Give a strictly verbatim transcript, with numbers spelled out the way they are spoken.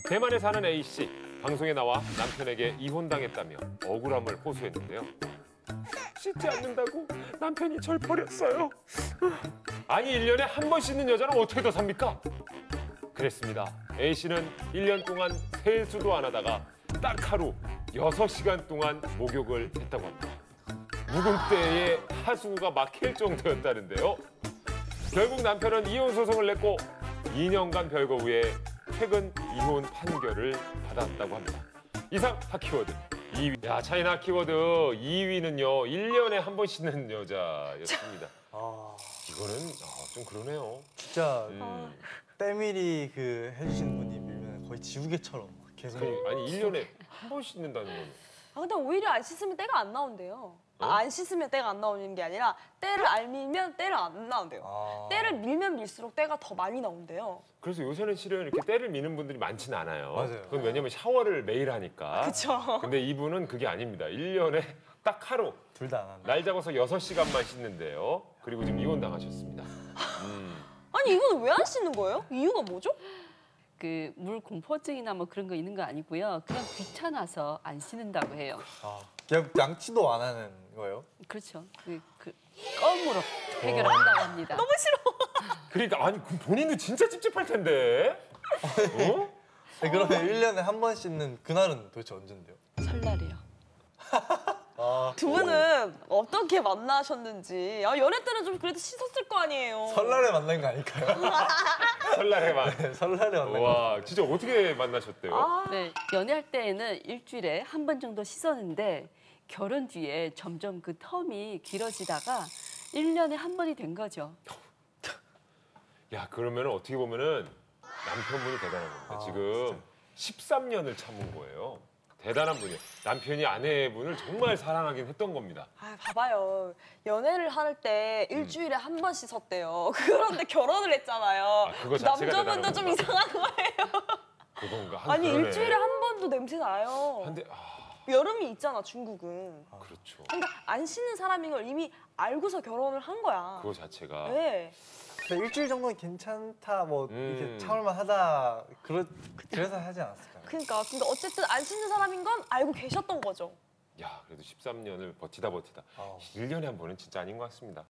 대만에 사는 A씨, 방송에 나와 남편에게 이혼당했다며 억울함을 호소했는데요. 씻지 않는다고 남편이 절 버렸어요. 아니 일 년에 한 번 씻는 여자는 어떻게 더 삽니까? 그랬습니다. A씨는 일 년 동안 세수도 안 하다가 딱 하루 여섯 시간 동안 목욕을 했다고 합니다. 묵은 때에 하수구가 막힐 정도였다는데요. 결국 남편은 이혼 소송을 냈고 이 년간 별거 후에 최근 이혼 판결을 받았다고 합니다. 이상 핫키워드 이 위. 야, 차이나 핫키워드 이 위는요. 일 년에 한 번 씻는 여자였습니다. 아, 이거는 아, 좀 그러네요. 진짜 음. 때밀이 그 해주신 분이 밀면 거의 지우개처럼 계속. 아니, 아니 일 년에 한 번 씻는다는 건 아, 근데 오히려 안 씻으면 때가 안 나온대요. 어? 아, 안 씻으면 때가 안 나오는 게 아니라 때를 안 밀면 때를 안 나온대요. 아. 때를 밀면 밀수록 때가 더 많이 나온대요. 그래서 요새는 실은 이렇게 때를 미는 분들이 많지는 않아요. 맞아요. 그건 왜냐면 샤워를 매일 하니까. 그쵸. 근데 이분은 그게 아닙니다. 일 년에 딱 하루 둘 다 안 한다. 날 잡아서 여섯 시간만 씻는데요. 그리고 지금 이혼당하셨습니다. 음. 아니, 이건 왜 안 씻는 거예요? 이유가 뭐죠? 그 물 공포증이나 뭐 그런 거 있는 거 아니고요. 그냥 귀찮아서 안 씻는다고 해요. 아, 그냥 양치도 안 하는 거예요? 그렇죠. 그, 그 껌으로 해결한다고 합니다. 너무 싫어. 그러니까 아니 그 본인도 진짜 찝찝할 텐데. 어? 네, 그러면 일 년에 한 번 씻는 그날은 도대체 언젠데요? 설날이요. 아, 두 분은 어떻게 만나셨는지. 아, 연애 때는 좀 그래도 씻었을 거 아니에요. 설날에 만난 거 아닐까요? 설날에만. 네, 설날에 만난 거. 와, 진짜 어떻게 만나셨대요? 아, 네, 연애할 때에는 일주일에 한 번 정도 씻었는데 결혼 뒤에 점점 그 텀이 길어지다가 일 년에 한 번이 된 거죠. 야, 그러면 어떻게 보면은 남편분이 대단한 겁니다. 아, 지금 진짜. 십삼 년을 참은 거예요. 대단한 분이에요. 남편이 아내분을 정말 사랑하긴 했던 겁니다. 아, 봐봐요. 연애를 할 때 일주일에 음. 한 번 씻었대요. 그런데 결혼을 했잖아요. 아, 그거 자체가 남자분도 대단한 좀 건가? 이상한 거예요. 그건가? 한 아니, 그러네. 일주일에 한 번도 냄새 나요. 한데 아, 여름이 있잖아, 중국은. 그렇죠. 그러니까 안 씻는 사람인 걸 이미 알고서 결혼을 한 거야. 그거 자체가. 네. 근데 일주일 정도는 괜찮다, 뭐 음. 이렇게 참을만 하다. 그러, 그래서 하지 않았을까요? 그러니까 근데 어쨌든 안 씻는 사람인 건 알고 계셨던 거죠. 야, 그래도 십삼 년을 버티다 버티다. 아. 일 년에 한 번은 진짜 아닌 것 같습니다.